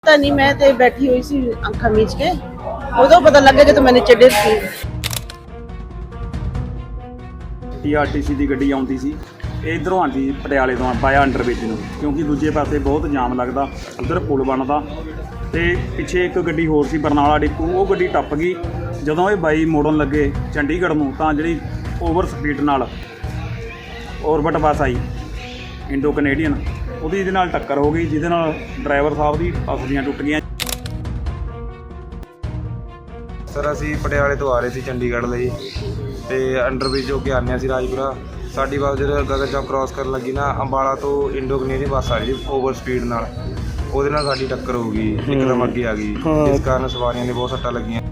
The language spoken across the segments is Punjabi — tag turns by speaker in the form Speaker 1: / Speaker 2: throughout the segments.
Speaker 1: पता नहीं, मैं तो बैठी हुई सी अखा मीच के उदो पता लगे कि तो मैंने चढ़े थी।
Speaker 2: TRTC ਦੀ ਗੱਡੀ ਆਉਂਦੀ ਸੀ, ਇਧਰੋਂ ਆਉਂਦੀ ਪਟਿਆਲੇ ਤੋਂ ਬਾਇਆ ਅੰਡਰਬ੍ਰਿਜ ਨੂੰ, ਕਿਉਂਕਿ ਦੂਜੇ ਪਾਸੇ ਬਹੁਤ ਜਾਮ ਲੱਗਦਾ, ਉਧਰ ਪੁਲ ਬਣਦਾ ਤੇ ਪਿੱਛੇ ਇੱਕ ਗੱਡੀ ਹੋਰ ਸੀ ਬਰਨਾਲਾ ਡਿਪੂ, ਉਹ ਗੱਡੀ ਟੱਪ ਗਈ। ਜਦੋਂ ਇਹ ਬਾਈ ਮੋੜਨ ਲੱਗੇ ਚੰਡੀਗੜ੍ਹ ਨੂੰ ਤਾਂ ਜਿਹੜੀ ਓਵਰ ਸਪੀਡ ਨਾਲ ਔਰਬਿਟ ਬੱਸ ਆਈ ਇੰਡੋ ਕੈਨੇਡੀਅਨ, ਉਹਦੀ ਇਹਦੇ ਨਾਲ ਟੱਕਰ ਹੋ ਗਈ, ਜਿਹਦੇ ਨਾਲ ਡਰਾਈਵਰ ਸਾਹਿਬ ਦੀ ਪਸਲੀਆਂ ਟੁੱਟ ਗਈਆਂ।
Speaker 3: ਸਰ ਅਸੀਂ ਪਟਿਆਲੇ ਤੋਂ ਆ ਰਹੇ ਸੀ ਚੰਡੀਗੜ੍ਹ ਲਈ ਤੇ ਅੰਡਰਬ੍ਰਿਜ ਹੋ ਕੇ ਆਉਂਦੇ ਸੀ ਰਾਜਪੁਰਾ। ਸਾਡੀ ਬੱਸ ਜਦੋਂ ਗਗਨ ਚੌਕ ਕ੍ਰਾਸ ਕਰਨ ਲੱਗੀ ਨਾ, ਅੰਬਾਲਾ ਤੋਂ ਇੰਡੋ ਕੈਨੇਡੀਅਨ ਬੱਸ ਆ ਰਹੀ ਸੀ ਓਵਰ ਸਪੀਡ ਨਾਲ, ਉਹਦੇ ਨਾਲ ਸਾਡੀ ਟੱਕਰ ਹੋ ਗਈ, ਇੱਕਦਮ ਅੱਗੇ ਆ ਗਈ, ਜਿਸ ਕਾਰਨ ਸਵਾਰੀਆਂ ਨੇ ਬਹੁਤ ਸੱਟਾਂ ਲੱਗੀਆਂ।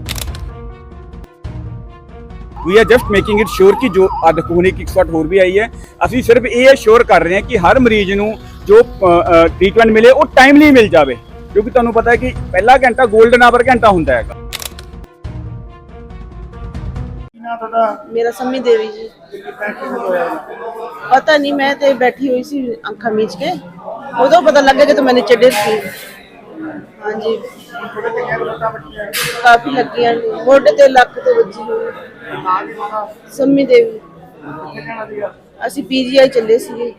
Speaker 4: We are just making it sure ਕਿ ਜੋ ਅੱਜ ਕੋਹਨੀ ਕਿਕ ਸਪਾਟ ਹੋਰ ਵੀ ਆਈ ਹੈ, ਅਸੀਂ ਸਿਰਫ ਇਹ ਸ਼ੋਰ ਕਰ ਰਹੇ ਹਾਂ ਕਿ ਹਰ ਮਰੀਜ਼ ਨੂੰ ਜੋ ਟ੍ਰੀਟਮੈਂਟ ਮਿਲੇ ਉਹ ਟਾਈਮਲੀ ਮਿਲ ਜਾਵੇ, ਕਿਉਂਕਿ ਤੁਹਾਨੂੰ ਪਤਾ ਹੈ ਕਿ ਪਹਿਲਾ ਘੰਟਾ 골ਡਨ ਆਵਰ ਘੰਟਾ ਹੁੰਦਾ ਹੈਗਾ।
Speaker 1: मेरा सम्मी देवी जी। पता नहीं, मैं तो बैठी हुई सी अखा मीच के उदो पता लगे कि तो मैंने चढ़े थी। हाँ जी, काफी लगी मोढे ते लक ते बची हुई। सम्मी देवी असी PGI चले सी।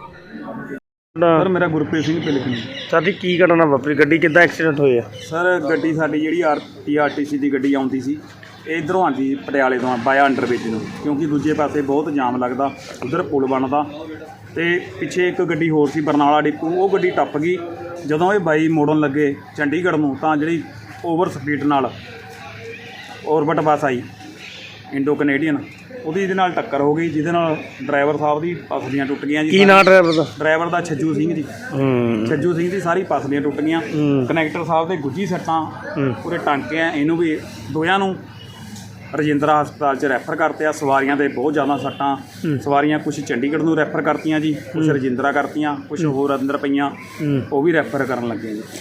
Speaker 2: ਸਰ ਮੇਰਾ ਗੁਰਪ੍ਰੀਤ ਸਿੰਘ ਪਿਲਕਣੀ।
Speaker 5: ਸਾਡੀ ਕੀ ਘਟਨਾ ਵਾਪਰੀ, ਗੱਡੀ ਕਿੱਦਾਂ ਐਕਸੀਡੈਂਟ ਹੋਇਆ?
Speaker 2: ਸਰ ਗੱਡੀ ਸਾਡੀ ਜਿਹੜੀ TRTC ਦੀ ਗੱਡੀ ਆਉਂਦੀ ਸੀ, ਇਧਰੋਂ ਆਉਂਦੀ ਪਟਿਆਲੇ ਤੋਂ ਬਾਇਆ ਅੰਡਰਬ੍ਰਿਜ ਨੂੰ, ਕਿਉਂਕਿ ਦੂਜੇ ਪਾਸੇ ਬਹੁਤ ਜਾਮ ਲੱਗਦਾ, ਉਧਰ ਪੁਲ ਬਣਦਾ ਤੇ ਪਿੱਛੇ ਇੱਕ ਗੱਡੀ ਹੋਰ ਸੀ ਬਰਨਾਲਾ ਡਿਪੂ, ਉਹ ਗੱਡੀ ਟੱਪ ਗਈ। ਜਦੋਂ ਇਹ ਬਾਈ ਮੋੜਨ ਲੱਗੇ ਚੰਡੀਗੜ੍ਹ ਨੂੰ ਤਾਂ ਜਿਹੜੀ ਓਵਰ ਸਪੀਡ ਨਾਲ ਔਰਬਿਟ ਬੱਸ ਆਈ ਇੰਡੋ ਕੈਨੇਡੀਅਨ, ਉਹਦੀ ਇਹਦੇ ਨਾਲ ਟੱਕਰ ਹੋ ਗਈ, ਜਿਹਦੇ ਨਾਲ ਡਰਾਈਵਰ ਸਾਹਿਬ ਦੀ ਪਸਲੀਆਂ ਟੁੱਟ ਗਈਆਂ ਜੀ।
Speaker 5: ਕੀ ਨਾਂ ਡਰਾਈਵਰ ਦਾ?
Speaker 2: ਡਰਾਈਵਰ ਦਾ ਛੱਜੂ ਸਿੰਘ ਜੀ। ਛੱਜੂ ਸਿੰਘ ਦੀ ਸਾਰੀ ਪਸਲੀਆਂ ਟੁੱਟ ਗਈਆਂ। ਕਨੈਕਟਰ ਸਾਹਿਬ ਦੇ ਗੁੱਜੀ ਸੱਟਾਂ, ਪੂਰੇ ਟਾਂਕੇ ਆ, ਇਹਨੂੰ ਵੀ ਦੋਹਾਂ ਨੂੰ ਰਜਿੰਦਰਾ ਹਸਪਤਾਲ 'ਚ ਰੈਫਰ ਕਰਤੇ ਆ। ਸਵਾਰੀਆਂ ਦੇ ਬਹੁਤ ਜ਼ਿਆਦਾ ਸੱਟਾਂ, ਸਵਾਰੀਆਂ ਕੁਛ ਚੰਡੀਗੜ੍ਹ ਨੂੰ ਰੈਫਰ ਕਰਤੀਆਂ ਜੀ, ਕੁਛ ਰਜਿੰਦਰਾ ਕਰਤੀਆਂ, ਕੁਛ ਹੋਰ ਅੰਦਰ ਪਈਆਂ, ਉਹ ਵੀ ਰੈਫਰ ਕਰਨ ਲੱਗੇ ਜੀ।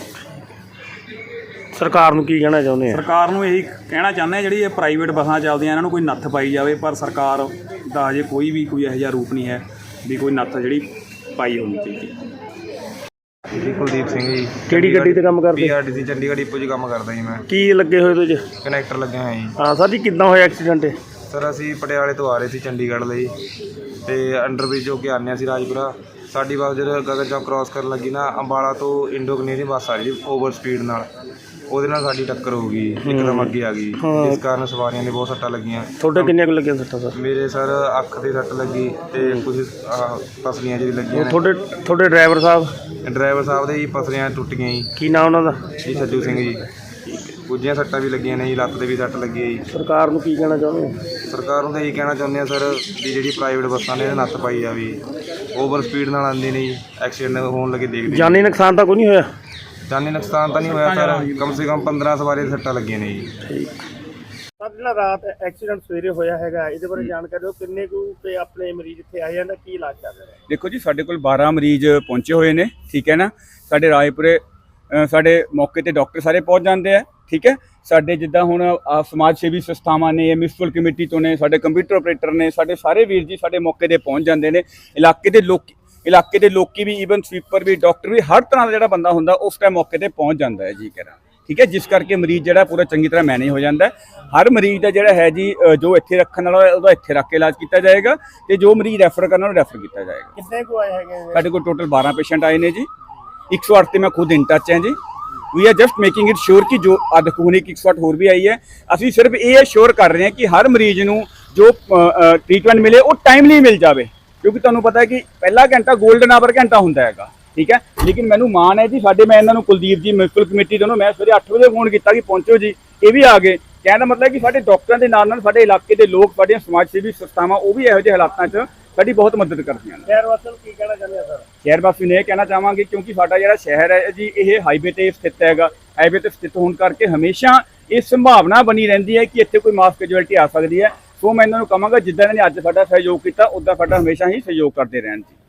Speaker 5: ਸਰਕਾਰ ਨੂੰ ਕੀ ਕਹਿਣਾ ਚਾਹੁੰਦੇ ਆ?
Speaker 2: ਸਰਕਾਰ ਨੂੰ ਇਹੀ ਕਹਿਣਾ ਚਾਹੁੰਦੇ ਆ, ਜਿਹੜੀ ਇਹ ਪ੍ਰਾਈਵੇਟ ਬੱਸਾਂ ਚੱਲਦੀਆਂ ਇਹਨਾਂ ਨੂੰ ਕੋਈ ਨੱਥ ਪਾਈ ਜਾਵੇ, ਪਰ ਸਰਕਾਰ ਦਾ ਅਜੇ ਕੋਈ ਇਹੋ ਜਿਹਾ ਰੂਪ ਨਹੀਂ ਹੈ ਵੀ ਕੋਈ ਨੱਥ ਜਿਹੜੀ ਪਾਈ ਹੋਣੀ ਚਾਹੀਦੀ।
Speaker 3: ਜੀ ਕੁਲਦੀਪ ਸਿੰਘ ਜੀ।
Speaker 5: ਕਿਹੜੀ ਗੱਡੀ ਤੇ ਕੰਮ ਕਰਦੇ?
Speaker 3: TRTC ਚੰਡੀਗੜ੍ਹ ਡਿਪੂ 'ਚ ਕੰਮ ਕਰਦਾ ਜੀ ਮੈਂ।
Speaker 5: ਕੀ ਲੱਗੇ ਹੋਏ ਤੁਸੀਂ?
Speaker 3: ਕਨੈਕਟਰ ਲੱਗਿਆ ਹੋਇਆ ਜੀ।
Speaker 5: ਹਾਂ ਸਰ ਜੀ, ਕਿੱਦਾਂ ਹੋਇਆ ਐਕਸੀਡੈਂਟ?
Speaker 3: ਸਰ ਅਸੀਂ ਪਟਿਆਲੇ ਤੋਂ ਆ ਰਹੇ ਸੀ ਚੰਡੀਗੜ੍ਹ ਲਈ ਤੇ ਅੰਡਰਬ੍ਰਿਜ ਹੋ ਕੇ ਆਉਂਦੇ ਸੀ ਰਾਜਪੁਰਾ। ਸਾਡੀ ਬੱਸ ਜਦੋਂ ਗਗਨ ਚੌਕ ਕ੍ਰਾਸ ਕਰਨ ਲੱਗੀ ਨਾ, ਅੰਬਾਲਾ ਤੋਂ ਇੰਡੋ ਕੈਨੇਡੀਅਨ ਬੱਸ ਆ ਰਹੀ ਸੀ ਓਵਰ ਸਪੀਡ ਨਾਲ, ਉਹਦੇ ਨਾਲ ਸਾਡੀ ਟੱਕਰ ਹੋ ਗਈ, ਇੱਕਦਮ ਅੱਗੇ ਆ ਗਈ, ਜਿਸ ਕਾਰਨ ਸਵਾਰੀਆਂ ਨੇ ਬਹੁਤ ਸੱਟਾਂ ਲੱਗੀਆਂ।
Speaker 5: ਤੁਹਾਡੇ ਕਿੰਨੇ ਕੁ ਲੱਗੀਆਂ ਸੱਟਾਂ ਸਰ?
Speaker 3: ਮੇਰੇ ਸਰ ਅੱਖ ਤੇ ਸੱਟ ਲੱਗੀ ਤੇ ਕੁਝ ਪਸਲੀਆਂ ਜਿਹੜੀ ਲੱਗੀਆਂ ਨੇ।
Speaker 5: ਤੁਹਾਡੇ ਡਰਾਈਵਰ ਸਾਹਿਬ?
Speaker 3: ਡਰਾਈਵਰ ਸਾਹਿਬ ਦੇ ਜੀ ਪਸਲੀਆਂ ਟੁੱਟ ਗਈਆਂ ਜੀ।
Speaker 5: ਕੀ ਨਾਂ ਉਹਨਾਂ ਦਾ?
Speaker 3: ਜੀ ਛੱਜੂ ਸਿੰਘ ਜੀ। ਕੁਝੀਆਂ ਸੱਟਾਂ ਵੀ ਲੱਗੀਆਂ ਨੇ ਜੀ, ਲੱਤ ਤੇ ਵੀ ਸੱਟ ਲੱਗੀ ਹੈ ਜੀ।
Speaker 5: ਸਰਕਾਰ ਨੂੰ ਕੀ ਕਹਿਣਾ ਚਾਹੁੰਦੇ ਹੋ?
Speaker 3: ਸਰਕਾਰ ਨੂੰ ਤਾਂ ਇਹੀ ਕਹਿਣਾ ਚਾਹੁੰਦੇ ਆ ਸਰ ਵੀ ਜਿਹੜੀ ਪ੍ਰਾਈਵੇਟ ਬੱਸਾਂ ਨੇ ਨੱਥ ਪਾਈ ਆ, ਵੀ ਓਵਰ ਸਪੀਡ ਨਾਲ ਆਉਂਦੀ ਨਹੀਂ, ਐਕਸੀਡੈਂਟ ਹੋਣ ਲੱਗੇ ਦੇਖਦੇ।
Speaker 5: ਜਾਨੀ ਨੁਕਸਾਨ ਤਾਂ ਕੋਈ ਨਹੀਂ ਹੋਇਆ?
Speaker 3: ਜਾਨੀ ਨੁਕਸਾਨ ਤਾਂ ਨਹੀਂ ਹੋਇਆ ਸਰ, ਕਮ ਸੇ ਕਮ 15 ਸਵਾਰੀ ਦੀਆਂ ਸੱਟਾਂ ਲੱਗੀਆਂ ਨੇ ਜੀ।
Speaker 5: ਠੀਕ ਸਰ, ਜਿਹੜਾ ਰਾਤ ਐਕਸੀਡੈਂਟ ਸਵੇਰੇ ਹੋਇਆ ਹੈਗਾ, ਇਹਦੇ ਬਾਰੇ ਜਾਣਕਾਰੀ ਦਿਓ। ਕਿੰਨੇ ਕੁ ਤੇ ਆਪਣੇ ਮਰੀਜ਼ ਇੱਥੇ ਆਏ ਜਾਂਦੇ, ਕੀ ਇਲਾਜ ਚੱਲ ਰਿਹਾ?
Speaker 4: ਦੇਖੋ ਜੀ, ਸਾਡੇ ਕੋਲ 12 ਮਰੀਜ਼ ਪਹੁੰਚੇ ਹੋਏ ਨੇ, ਠੀਕ ਹੈ ਨਾ। ਸਾਡੇ ਰਾਏਪੁਰੇ ਸਾਡੇ ਮੌਕੇ ਤੇ ਡਾਕਟਰ ਸਾਰੇ ਪਹੁੰਚ ਜਾਂਦੇ ਆ, ਠੀਕ ਹੈ। ਸਾਡੇ ਜਿੱਦਾਂ ਹੁਣ ਸਮਾਜ ਸੇਵੀ ਸੰਸਥਾਵਾਂ ਨੇ, ਮਿਊਨਿਸਪਲ ਕਮੇਟੀ ਤੋਂ ਨੇ, ਸਾਡੇ ਕੰਪਿਊਟਰ ਆਪਰੇਟਰ ਨੇ, ਸਾਡੇ ਸਾਰੇ ਵੀਰ ਜੀ ਸਾਡੇ ਮੌਕੇ ਤੇ ਪਹੁੰਚ ਜਾਂਦੇ ਨੇ। ਇਲਾਕੇ ਦੇ ਲੋਕੀ ਵੀ, ਈਵਨ ਸਵੀਪਰ ਵੀ, ਡਾਕਟਰ ਵੀ, ਹਰ ਤਰ੍ਹਾਂ ਦਾ ਜਿਹੜਾ ਬੰਦਾ ਹੁੰਦਾ ਉਸ ਟਾਈਮ ਮੌਕੇ ਤੇ ਪਹੁੰਚ ਜਾਂਦਾ ਹੈ ਜੀ ਕਰਾਂ, ਠੀਕ ਹੈ। ਜਿਸ ਕਰਕੇ ਮਰੀਜ਼ ਜਿਹੜਾ ਪੂਰਾ ਚੰਗੀ ਤਰ੍ਹਾਂ ਮੈਨੇਜ ਹੋ ਜਾਂਦਾ ਹੈ। ਹਰ ਮਰੀਜ਼ ਦਾ ਜਿਹੜਾ ਹੈ ਜੀ, ਜੋ ਇੱਥੇ ਰੱਖਣ ਵਾਲਾ ਉਹਦਾ ਇੱਥੇ ਰੱਖ ਕੇ ਇਲਾਜ ਕੀਤਾ ਜਾਏਗਾ, ਤੇ ਜੋ ਮਰੀਜ਼ ਰੈਫਰ ਕਰਨ ਵਾਲਾ ਰੈਫਰ ਕੀਤਾ ਜਾਏਗਾ।
Speaker 5: ਕਿੰਨੇ ਕੁ ਆਏ ਹੈਗੇ?
Speaker 4: ਸਾਡੇ ਕੋਲ ਟੋਟਲ 12 ਪੇਸ਼ੈਂਟ ਆਏ ਨੇ ਜੀ। 108 ਤੇ ਮੈਂ ਖੁਦ ਇਨ ਟੱਚ ਹਾਂ ਜੀ। We are just making it sure ਕਿ ਜੋ ਅੱਜ ਕੋਹਨੀ ਕਿਕ ਸਪਾਟ ਹੋਰ ਵੀ ਆਈ ਹੈ, ਅਸੀਂ ਸਿਰਫ ਇਹ ਸ਼ੋਰ ਕਰ ਰਹੇ ਹਾਂ ਕਿ ਹਰ ਮਰੀਜ਼ ਨੂੰ ਜੋ ਟ੍ਰੀਟਮੈਂਟ ਮਿਲੇ ਉਹ ਟਾਈਮਲੀ ਮਿਲ ਜਾਵੇ, ਕਿਉਂਕਿ ਤੁਹਾਨੂੰ ਪਤਾ ਹੈ ਕਿ ਪਹਿਲਾ ਘੰਟਾ 골ਡਨ ਆਵਰ ਘੰਟਾ ਹੁੰਦਾ ਹੈਗਾ, ਠੀਕ ਹੈ। ਲੇਕਿਨ ਮੈਨੂੰ ਮਾਣ ਹੈ ਜੀ, ਮੈਂ ਇਹਨਾਂ ਨੂੰ ਕੁਲਦੀਪ ਜੀ ਮਿਊਨਿਸਪਲ ਕਮੇਟੀ ਤੋਂ ਮੈਂ ਸਵੇਰੇ 8 ਵਜੇ ਫੋਨ ਕੀਤਾ ਕਿ ਪਹੁੰਚੋ ਜੀ, ਇਹ ਵੀ ਆ ਗਏ। ਕਹਿਣ ਦਾ ਮਤਲਬ ਕਿ ਸਾਡੇ ਡਾਕਟਰਾਂ ਦੇ ਨਾਲ ਨਾਲ ਸਾਡੇ ਇਲਾਕੇ ਦੇ ਲੋਕ, ਸਾਡੀਆਂ ਸਮਾਜ ਸੇਵੀ ਸੰਸਥਾਵਾਂ, ਉਹ ਵੀ ਇਹੋ ਜਿਹੇ ਹਾਲਾਤਾਂ 'ਚ ਸਾਡੀ ਬਹੁਤ ਮਦਦ ਕਰਦੀਆਂ ਨੇ।
Speaker 5: ਸ਼ਹਿਰ ਵਾਸੀਆਂ ਨੂੰ ਕੀ ਕਹਿਣਾ ਚਾਹੁੰਦੇ ਆ ਸਰ?
Speaker 4: ਸ਼ਹਿਰ ਵਾਸੀ ਨੂੰ ਇਹ ਕਹਿਣਾ ਚਾਹਾਂਗੇ, ਕਿਉਂਕਿ ਸਾਡਾ ਜਿਹੜਾ ਸ਼ਹਿਰ ਹੈ ਜੀ, ਇਹ ਹਾਈਵੇ ਤੇ ਸਥਿਤ ਹੈਗਾ। ਹਾਈਵੇ ਤੇ ਸਥਿਤ ਹੋਣ ਕਰਕੇ ਹਮੇਸ਼ਾ ਇਹ ਸੰਭਾਵਨਾ ਬਣੀ ਰਹਿੰਦੀ ਹੈ ਕਿ ਇੱਥੇ ਕੋਈ ਮਾਸ ਕੈਜੁਅਲਟੀ ਆ ਸਕਦੀ ਹੈ। ਸੋ ਮੈਂ ਇਹਨਾਂ ਨੂੰ ਕਹਾਂਗਾ, ਜਿੱਦਾਂ ਇਹਨਾਂ ਨੇ ਅੱਜ ਸਾਡਾ ਸਹਿਯੋਗ ਕੀਤਾ, ਉੱਦਾਂ ਸਾਡਾ ਹਮੇਸ਼ਾ ਹੀ ਸਹਿਯੋਗ ਕਰਦੇ ਰਹਿਣ ਜੀ।